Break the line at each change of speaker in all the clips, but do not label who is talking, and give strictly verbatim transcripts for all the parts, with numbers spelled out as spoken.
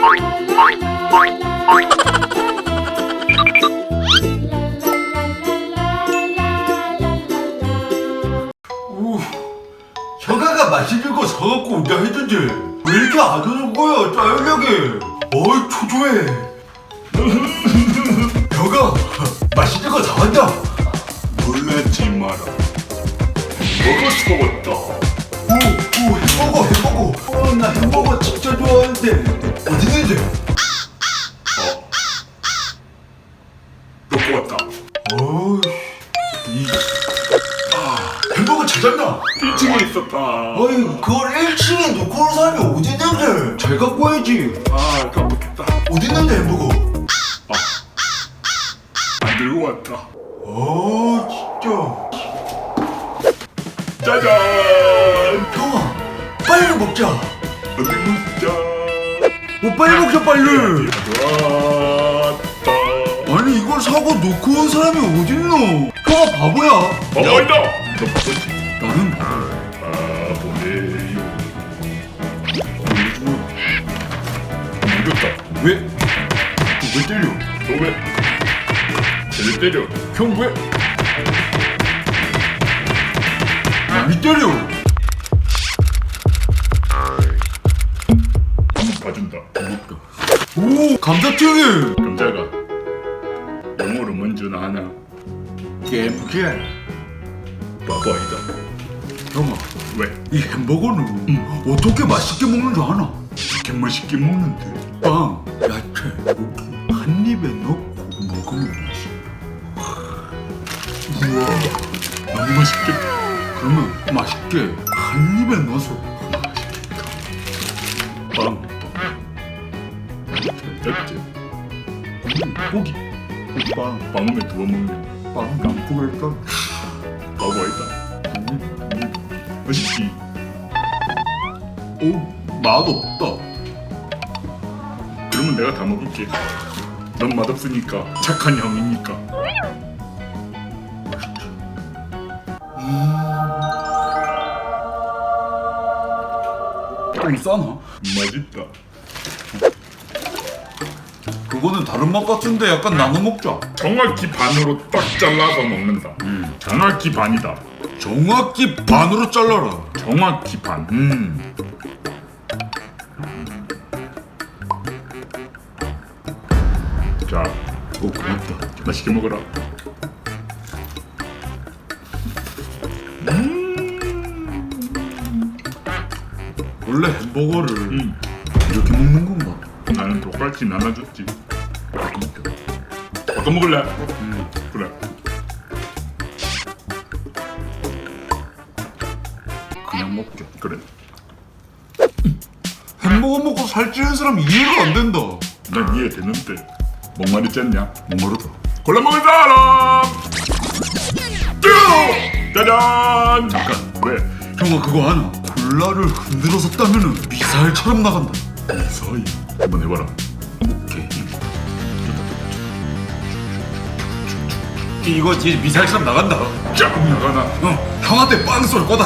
우, 형아가 맛있는 거 사갖고 온다 했는데 왜 이렇게 안 오는 거야, 짜증나게. 어이, 초조해. 형아, 맛있는 거 사왔다.
놀라지 마라. 햄버거 사왔다.
오, 오, 햄버거, 햄버거. 어, 나 햄버거 진짜 좋아하는데. 어디 있는데?
어. 놓고 왔다.
어이, 이, 아, 햄버거 찾았나?
일 층에 있었다.
어이, 그걸 일 층에 놓고 온 사람이 어디 있는데? 잘 갖고 와야지.
아, 깜빡했다.
어디 있는데, 햄버거?
안 들고 왔다.
어, 진짜.
짜잔!
형아, 빨리 먹자.
어디 먹자.
어, 빨리 먹자, 빨리.
왔다.
아니, 이걸 사고 놓고 온 사람이 어딨노? 형아, 바보야.
어, 있다. 너 바보지?
나는 바보.
바보네요. 이겼다.
왜? 너 왜 때려?
너 왜? 쟤를 때려.
형 왜? 남이 때려.
한번 봐준다.
먹다. 오, 감자튀김.
감자가 영어로 먼저나 하나.
겜게.
바보 아니다.
형아,
왜?
이 햄버거는 어떻게 맛있게 먹는 줄 아나?
이렇게 맛있게 먹는데.
빵, 야채, 고기 한 입에 넣고 먹으면 맛있어.
우와, 너무 맛있겠다.
그러면 맛있게 한 입에 넣어서
맛있겠다. 빵, 야채,
음, 고기, 빵,
빵에 두어 먹는
빵 남포일까?
바보 아니다.
음,
맛있지?
오, 맛없다.
그러면 내가 다 먹을게. 넌 맛없으니까 착한 형이니까.
좀 싸나?
맛있다.
그거는 다른 맛 같은데 약간 나눠 먹자.
정확히 반으로 딱 잘라서 먹는다.
음.
정확히 반이다.
정확히 반으로 잘라라.
정확히 반.
음.
자,
오, 고맙다.
맛있게 먹어라.
원래 햄버거를
음,
이렇게 먹는 건가?
나는 똑같이 나눠줬지. 바꿔 먹을래?
음.
그래.
그냥 먹자.
그래.
햄버거 먹고 살찌는 사람 이해가 안 된다.
난 이해되는데 뭔 말인지 않냐?
모르다.
골라 먹을 사람! 쭉! 짜잔! 잠깐, 왜?
형아, 그거 아나? 콜라를 흔들어서 따면은 미사일처럼 나간다.
서희 한번 해봐라.
오케이. 이거 뒤에 미사일처럼 나간다.
쫙 나가나?
어, 형한테 빵 쏠 거다.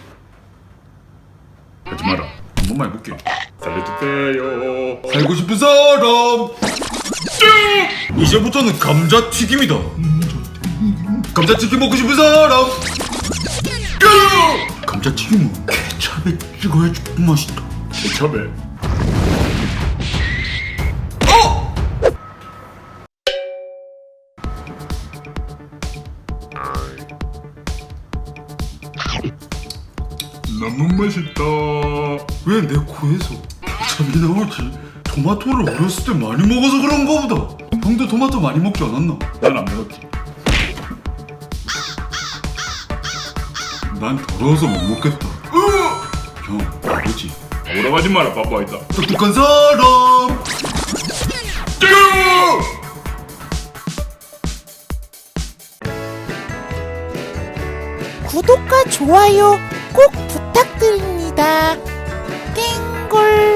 하지 마라.
한 번만 해볼게.
살려주세요.
살고 싶은 사람. 이제부터는 감자튀김이다. 감자튀김 먹고 싶은 사람. 감자튀김은 케찹에 찍어야 조금 맛있다.
케첩에
어!
너무 맛있다.
왜 내 코에서 케찹이 나오지? 토마토를 어렸을 때 많이 먹어서 그런가 보다. 형도 토마토 많이 먹지 않았나?
난 안 먹었지.
난 더러워서 못 먹겠다. 형, 아버지.
오라고 하지 마라. 바보 아니다.
똑똑한 사람.
구독과 좋아요 꼭 부탁드립니다. 땡골